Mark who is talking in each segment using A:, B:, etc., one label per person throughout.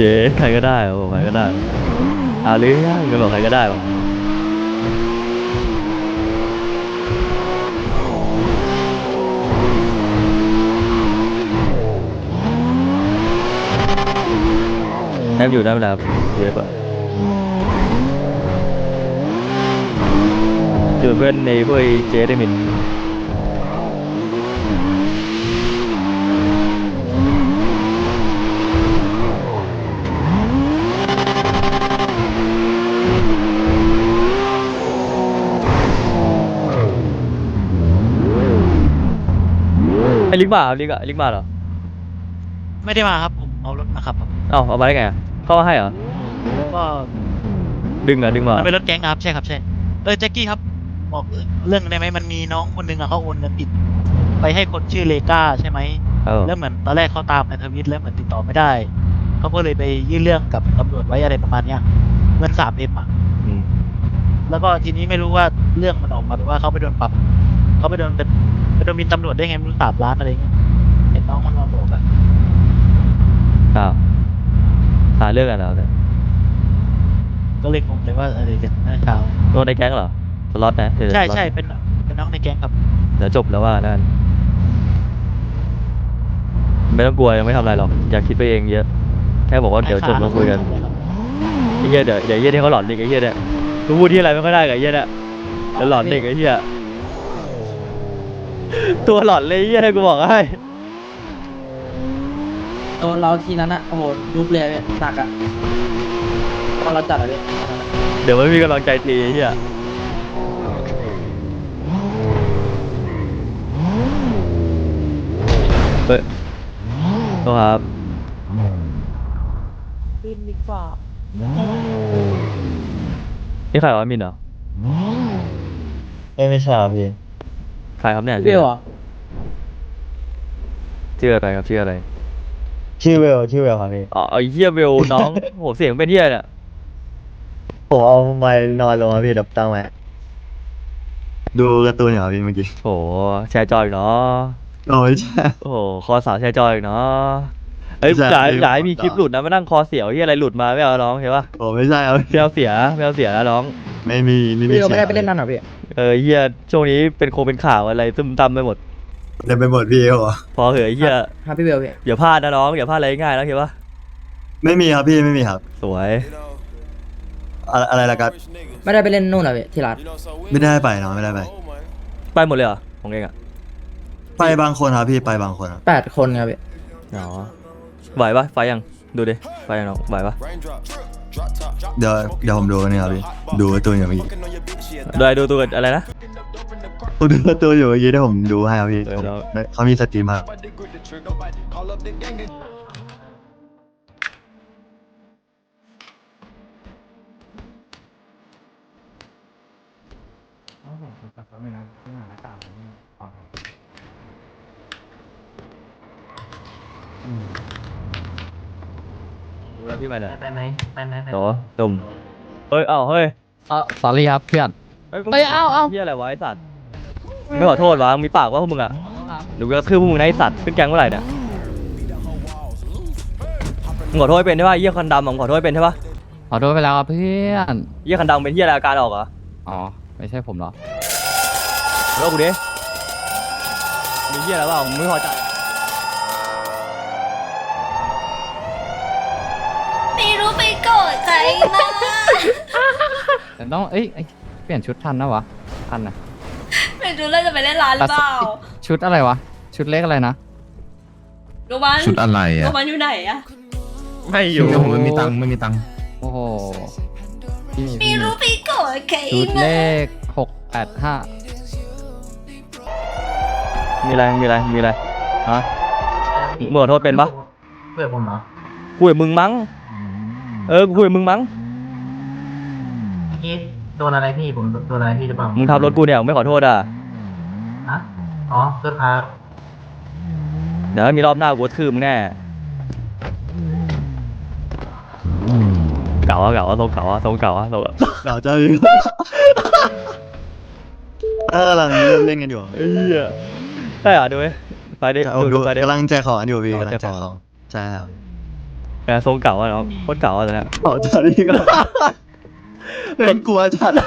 A: เย้ใครก็ได้บอกใครก็ได้เอาเรื่องก็บอกใครก็ได้บอกแอบอยู่ได้เวลาเยอะปะอยู่เพื่อนในพวกเจได้มินไอ้ลิกมาลิกมาเหรอ
B: ไม่ได้มาครับผมเอารถมาขับครับ
A: เอ้าเอามาได้ไงเข้ามาให้เหรอ
B: ก็
A: ดึงมา
B: มันเป็นรถแก๊งครับใช่ครับใช่แจ็คกี้ครับบอกเรื่องได้ไหมมันมีน้องคนหนึงอะเขาโอนเงินผิดไปให้คนชื่อเลก้าใช่ไหมแล้วเหมือนตอนแรกเขาตามในทวิตแล้วเหมือนติดต่อไม่ได้เขาก็เลยไปยื่นเรื่องกับตำรวจไว้อะไรประมาณเนี้ยเงิน3Mอะแล้วก็ทีนี้ไม่รู้ว่าเรื่องมันออกมาว่าเขาไปโดนปรับเขาไปโดนบินตำรวจได้ไงไม่รู้3 ล้านอะไรเงี้ยเห็นน้องมันมาบอกอะ
A: อ้าวหาเรื่องกันแล้วเนี่ย
B: ก็เลยงงเลยว่าอะไรกันหน้าเช้า
A: โดนในแก๊งเหรอสล็อตนะ
B: ใช่ใช่เป็นน้องในแก๊งครับ
A: เดี๋ยวจบแล้วว่านั่นไม่ต้องกลัวยังไม่ทำอะไรหรอกอย่าคิดไปเองเยอะแค่บอกว่าเดี๋ยวจบแล้วคุยกันไอ้เหี้ยเดี๋ยวเหี้ยที่เขาหลอนอีกไอ้เหี้ยเนี่ยกูพูดที่อะไรไม่ค่อยได้กับไอ้เหี้ยเนี่ยเดี๋ยวหลอนอีกไอ้เหี้ยตัวหลอนเลยไอ้เหี้ยให้กูบอกให้
C: โดนเราทีนั้นอะโอ้โหยุบเลยพี่หนักอะตอนเราจัดอะพี่
A: เดี๋ยวไม่มีกำลังใจตีไอ้เหี้ยเฮ้ยโทษครับ
C: บินดีกว่า
A: นี่ใครวะมินเหรอ
D: ไม่ใช่ครับพี่
A: ใครครับเนี่ย
C: เบี้ยวอ่ะ
A: ชื่ออะไรครับชื่ออะไร
D: ชื่อเวลครับพี่
A: อ๋อไอ้เหี้ยเวลน้องโหเสียงเป็นเหี้ยเนี่ย
D: ผมเอาไม้นอนลงครับพี่ดับตั้งไว้ดูการ์ตูนเหรอพี่เมื่อกี้
A: โหแชร์จอยอีกเนาะ
D: โอ้ยใช่
A: โอ้โหคอสาวแชร์จอยอีกเนาะเอ้ยอย่าให้มีคลิปหลุดนะมานั่งคอเสียวเหี้ยอะไรหลุดมาไม่เอาน้องเห็นปะ
D: โอ้ไม่ใช่ครับ
A: ไม่เอาเสียนะน้อง
D: ไม่มี
C: พี่เราไม่ได้ไปเล่นนั่นหรอพี่
A: เหี้ยช่วงนี้เป็นเป็นข่าวอะไรซึมตำไปหมด
D: เล่นไปหมดพี่เหรอ
A: พอเหอะเหี้ย
C: ครับพี่เบลพี่
A: อย่าพลาดนะน้องอย่าพลาดอะไรง่ายนะเห็นปะ
D: ไม่มีครับพี่ไม่มีครับ
A: สวย
D: อะไรล่ะครับ
C: ไม่ได้ไปเล่นนู่นหรอพี่ที่ร้าน
D: ไม่ได้ไปเนาะไม่ได้
A: ไปหมดเลยเหรอของเองอะ
D: ไปบางคนครับพี่ไปบางคนครับ
C: 8 คนครับพี่
A: อ๋อไหวปะไฟยังดูดิไฟยังน้องไหวปะ
D: เดี๋ยวผมดูนี่ครับพี่ดูการ์ตูนอยู่เมื่อกี้
A: ดูตัวอะไรนะ
D: ผมดูการ์ตูนอยู่เมื่อกี้ที่ผมดูให้ครับพี่เขามีสตรีมครับ
A: ดูแล้วพี่ไปไหน
C: ไปไหน
A: โหตุ่มเฮ้ยเฮ้ย
C: สอรี่ครับเพื่อนเฮ้ยเอา
A: เฮียอะไรวะไอสัตว์ไม่ขอโทษวะมีปากว่าพวกมึงอะหรือก็คือพวกมึงนะไอสัตว์ขึ้นแกงเมื่อไหร่เนี่ยมึงขอโทษเป็นใช่ปะเฮียคันดำมึงขอโทษเป็นใช่ปะ
C: ขอโทษไปแล้วครับเพื่อน
A: เฮียคันดำเป็นเฮียอะไรอาการออกเหรอ
C: อ๋อไม่ใช่ผมหรอ
A: แล้วกูดิมีเฮียอะไรบ้างมึงไม่พอใจ
E: ไม่รู้ไปโกรธใครมา
C: แต่ต้องเปลี่ยนชุดทันนะวะทันนะ
E: ไม่รู้เราจะไปเล่นร้านหรือเปล่า
C: ชุดอะไรวะชุดเล็กอะไรนะ
E: รู้มัน
D: ชุดอะไรอะ
E: รู้มันอยู่ไหนอะ
A: ไม่อยู่
D: ผมไม่มีตังค์
C: โอ้โห
E: ไม่รู้ไปโกรธใคร
C: ชุดเลข685
A: มีอะไรฮะมึงขอโทษเป็นปะ
C: เพื่อนผมเหรอ
A: คุยกับมึงมั้งกูคุยกับมึงมั้ง
C: พี่โดนอะไรพี่ผมโดนอะไรพี่จะบอก
A: มึงทำรถกูเนี่ยไม่ขอโทษอ่ะ
C: ฮะอ๋อเพื่อนพา
A: เดี๋ยวมีรอบหน้ากูทื่อมึงแน่เก่าทรงเก่า
D: เจ้าอยู่กำลังเล่นกันอยู่
A: ได้เหรอดูไหมไปดิ
D: ดูกำลังแจกของอยู่พี่กำลังแจกของใช่ครับ
A: แต่ทรงเก่าอะเนาะโคตรเก่าอะตอนเนี้ย
D: อ๋อจัดนี่ก็เป็นกลัวจัด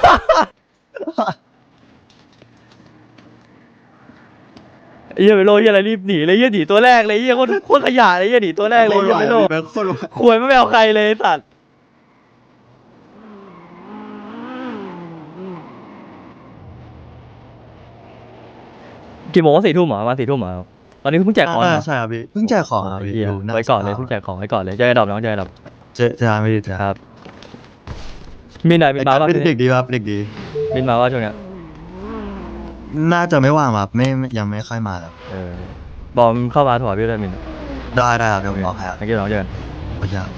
A: ไอ้เหี้ยไปโลเหี้ยอะไรรีบหนีเลยเหี้ยหนีตัวแรกเลยเหี้ยโคตรขยะเลยเหี้ยหนีตัวแรกเลยเหี้ยไปโล
D: แบงค์โคตรไหว
A: ควยไม่เอาใครเลยไอ้สัตว์กี่โมงวะ4 ทุ่มเหรอประมาณ4 ทุ่มเหรอตอนนี้เพิ่งแจกของเหรอ
D: ใช่ครับพี่เพิ่งแจกของครับพี่
A: เหี้ย
D: อยู่หน้า
A: ไว้ก่อนเลยเพิ่งแจกของไว้ก่อนเลยเจอไอ้ดอกน้องเจอไอ้ดอก
D: เจอไม่ดีจ้ะ
A: ครับมีไหนมีมาบ้าง
D: เด็กดีครับเด็กดี
A: มีมาว่าช่วงเนี้ย
D: น่าจะไม่ว่างครับไม่ยังไม่ค่อยมาครับ
A: บอกมันเข้ามาถวายพี่ด้วยมิน
D: ได้ครับเดี๋ยวผมบอกให้ครับ
A: นักกีฬาน้องเจอกัน
D: โอเคครับ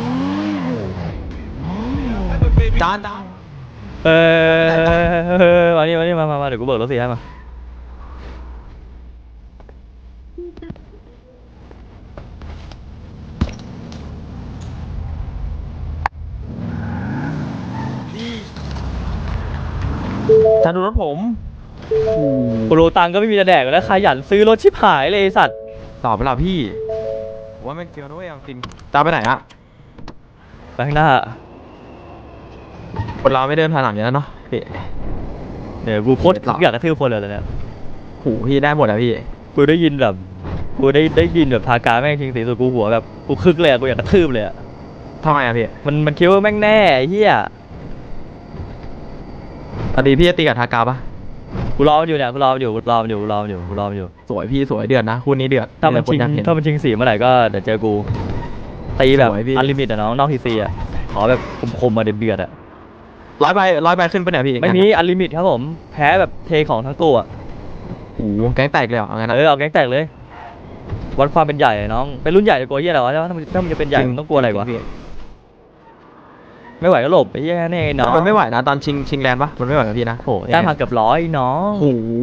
A: มานี่มาเดี๋ยวกูเบิกรถ4ให้มา
F: ท่านดูรถผม
A: กูรู้ตังค์ก็ไม่มีจะแดกแล้วขยันซื้อรถชิบหายเลยไอ้สัตว์
F: ตอบไปแล้วพี่ผมว่าไม่เกี่ยวนะเว้ยเอาจริงตามไปไหนอะ
A: ไปข้างหน้า
F: คนเราไม่เดินผ่านหลังอย่างนั้นเนาะพี่
A: เดี๋ยวกูโคตรอยากกระทืบคนเลยตอนเนี้ย
F: หูพี่ได้หมดอะพี่
A: กูได้ยินแบบกูได้ยินแบบทากาแม่งทิ้งสีสุดกูหัวแบบกูคึกเลยอะกูอยากกระทืบเลยอะ
F: ทำไมอะพี่
A: มันคิดว่าแม่งแน่ไอ้เหี้ย
F: ตอนนี้พี่จะตีกับทากาปะ
A: กูรอมันอยู่เนี่ยกูรอมันอยู่
F: สวยพี่สวยเดือดนะคู่นี้เดือด
A: ถ้ามัน
F: ค
A: ชิง
F: อยากเห็น
A: ถ้ามันชิงสีเมื่อไหร่ก็เดี๋ยวเจอกูตีแบบ
F: สวยพี่
A: อันลิมิตอะน้องนอกทีซีอะขอแบบคมๆมาเดือดๆอะ
F: ร้อยใบขึ้นไปเนี่ยพี่
A: ไม่มีอันลิมิตครับผมแพ้แบบเทของทั้งตัวอะ
F: โอ้โหแก๊งแตกเลยเหรอเอางั้นอะ
A: เอาแก๊งแตกเลยวัดความเป็นใหญ่อะน้องเป็นรุ่นใหญ่จะกลัวเหี้ยอะไรวะถ้ามันจะเป็นใหญ่มันต้องกลัวอะไรวะ
F: พี่
A: ไม่ไหวก็หลบไปเหี้ยแน่ไอ้น้อง
F: มันไม่ไหวนะตอนชิงแลนด์ปะมันไม่ไหวกับพี่นะ
A: โอ้โหแต้มห่างเกือบ100น้อง
F: โอ้โห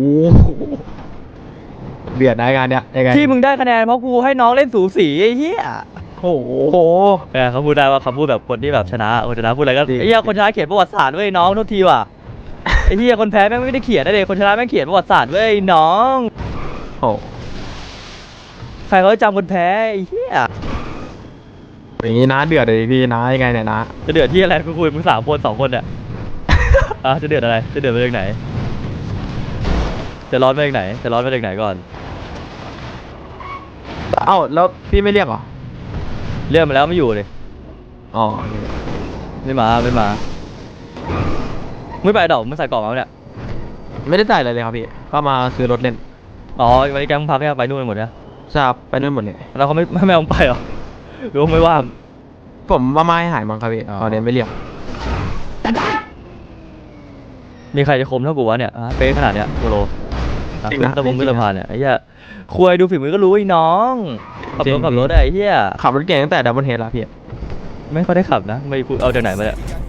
F: เดือดนะงานเนี้ยยังไง
A: ที่มึงได้คะแนนเพราะกูให้น้องเล่นสูสีไอ้เหี้ย
F: โอ้โห
A: เขาพูดได้ว่าเขาพูดแบบคนที่แบบชนะคนชนะพูดอะไรก็
F: จริง
A: ไอ้เหี้ยคนชนะเขียนประวัติศาสตร์เว้ยน้องโทษทีว่ะไอ้เหี้ยคนแพ้แม่งไม่ได้เขียนนะเด็กคนชนะแม่งเขียนประวัติศาสตร์เว้ยน้อง
F: โอ้
A: ใครเขาจะจำคนแพ้ไอ้เหี้ย
F: อย่างงี้นะเดือดเลยพี่นะยังไงเนี่ยนะ
A: จะเดือดที่อะไรกูคุยมึง3 คน 2 คนเนี่ย จะเดือดอะไรจะเดือดมาจากไหนจะร้อนมาจากไหนจะร้อนมาจากไหนก่อน
F: เอ้าแล้วพี่ไม่เรียกเหรอ
A: เรียกมาแล้วไม่อยู่เลย
F: อ๋อ
A: ไม่มาไม่ไปดอกมึงใส่กล่องมาเนี่ย
F: ไม่ได้จ่ายอะไรเลยครับพี่ก็มาซื้อรถเล่น
A: อ๋อวันนี้แกมึงพักแค่ไปนู่นหมดเนี่ย
F: ทราบไปนู่นหมดเลย
A: แล้วเขาไม่เอามึงไปเหรอหรือว่าไม่ว่าง
F: ผมว่าไม่ให้หายมั้งครับพี่
A: อ๋อ
F: ตอนนี้ไม่เรียก
A: มีใครจะคมเท่ากูวะเนี่ยเป๊ะขนาดเนี้ยโกโล
F: จริงนะ
A: ตะบงขึ้นสะพานเนี่ยไอ้เหี้ยคุยดูฝีมือก็รู้ไอ้น้องขับรถอะไอ้เหี้ย
F: ขับรถเก่งตั้งแต่ดับเบิลเฮดแล้วพี่
A: ไม่ค่อยได้ขับนะไม่พูดเอาจากไหนมาเนี่ย